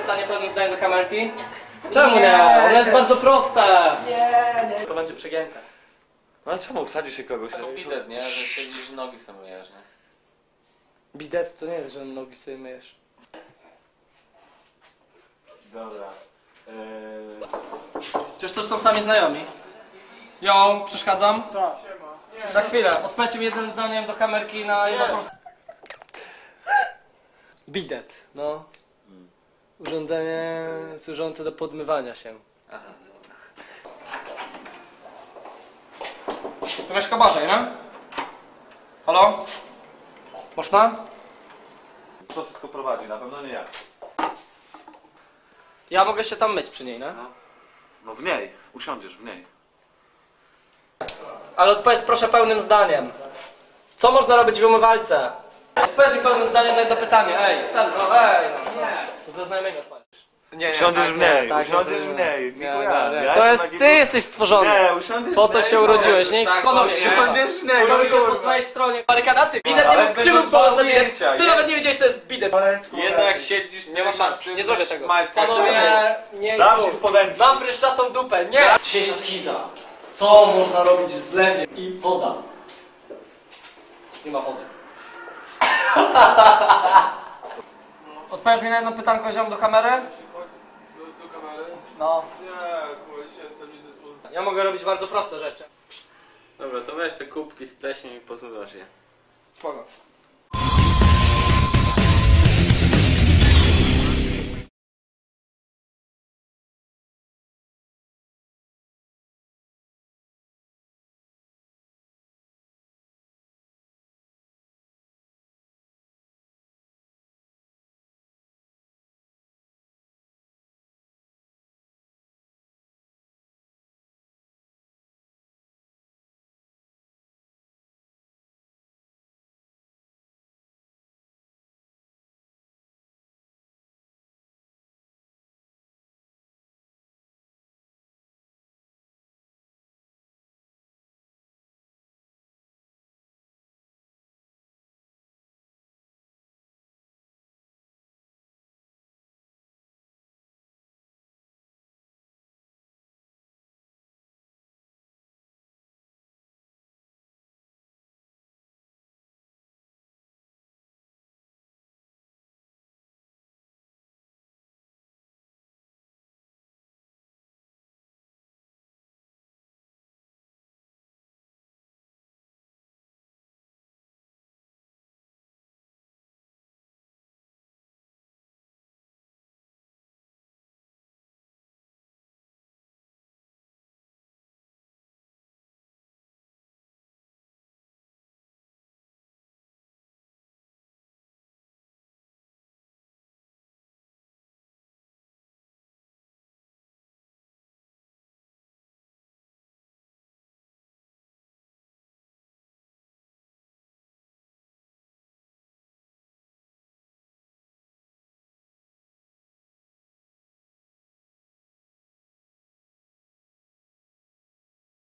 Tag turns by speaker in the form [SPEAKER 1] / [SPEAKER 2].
[SPEAKER 1] pytanie pełnym zdaniem do kamerki? Nie. Czemu nie? Ono jest bardzo proste. Nie. To będzie przegięte.
[SPEAKER 2] No ale czemu wsadzi się kogoś?
[SPEAKER 3] Jako bidet, nie? Że siedzisz nogi sobie myjesz, nie?
[SPEAKER 1] Bidet to nie jest, że nogi sobie myjesz.
[SPEAKER 2] Dobra.
[SPEAKER 1] Przecież to są sami znajomi. Jo, przeszkadzam? Tak. Za chwilę, odpowiedzcie mi jednym zdaniem do kamerki na jedno proste. Bidet, no. Urządzenie służące do podmywania się.
[SPEAKER 3] Aha.
[SPEAKER 1] To mieszka Barzej, nie? Halo? Można?
[SPEAKER 2] Kto wszystko prowadzi? Na pewno nie ja.
[SPEAKER 1] Ja mogę się tam myć przy niej, nie?
[SPEAKER 2] No w niej. Usiądziesz w niej.
[SPEAKER 1] Ale odpowiedz proszę pełnym zdaniem. Co można robić w umywalce? Odpowiedz mi pełnym zdaniem na jedno pytanie. Ej, stary, no ej. Nie. Ze znajomego odpowiedz. Nie,
[SPEAKER 2] Usiądziesz w niej.
[SPEAKER 1] tak,
[SPEAKER 2] Usiądziesz w niej.
[SPEAKER 1] Nie,
[SPEAKER 2] Ja
[SPEAKER 1] nie. To jest, ty jesteś stworzony.
[SPEAKER 2] Nie, usiądziesz
[SPEAKER 1] Po
[SPEAKER 2] w
[SPEAKER 1] to
[SPEAKER 2] niej.
[SPEAKER 1] się urodziłeś, nie?
[SPEAKER 3] Tak,
[SPEAKER 1] Panowie,
[SPEAKER 2] Usiądziesz w niej.
[SPEAKER 1] Urodziłeś się po
[SPEAKER 2] kurwa.
[SPEAKER 1] swojej stronie barykada, ty. Bidet nie
[SPEAKER 3] ale
[SPEAKER 1] mógł, czym
[SPEAKER 3] będą
[SPEAKER 1] był pomysł na
[SPEAKER 3] dwa
[SPEAKER 1] bidet?
[SPEAKER 3] ujęcia,
[SPEAKER 1] Ty
[SPEAKER 3] nie?
[SPEAKER 1] nawet nie wiedziałeś co jest bidet.
[SPEAKER 3] Jednak jak siedzisz,
[SPEAKER 1] Nie ma szans, nie zrobię tego.
[SPEAKER 3] Majtka,
[SPEAKER 1] Panowie, nie
[SPEAKER 2] Dam ci
[SPEAKER 1] mów.
[SPEAKER 2] spodenki.
[SPEAKER 1] Mam pryszczatą dupę, nie! Dzisiejsza schiza. Co można robić w zlewie? I woda. Nie ma wody. Odpowiesz mi na jedno pytanko, ziom, do kamery?
[SPEAKER 4] Do kamery?
[SPEAKER 1] No.
[SPEAKER 4] Nie, kurwa, się jestem niedyspozycyjny.
[SPEAKER 1] Ja mogę robić bardzo proste rzeczy.
[SPEAKER 3] Dobra, to weź te kubki z pleśnią i pozmywasz je.
[SPEAKER 1] Spoko.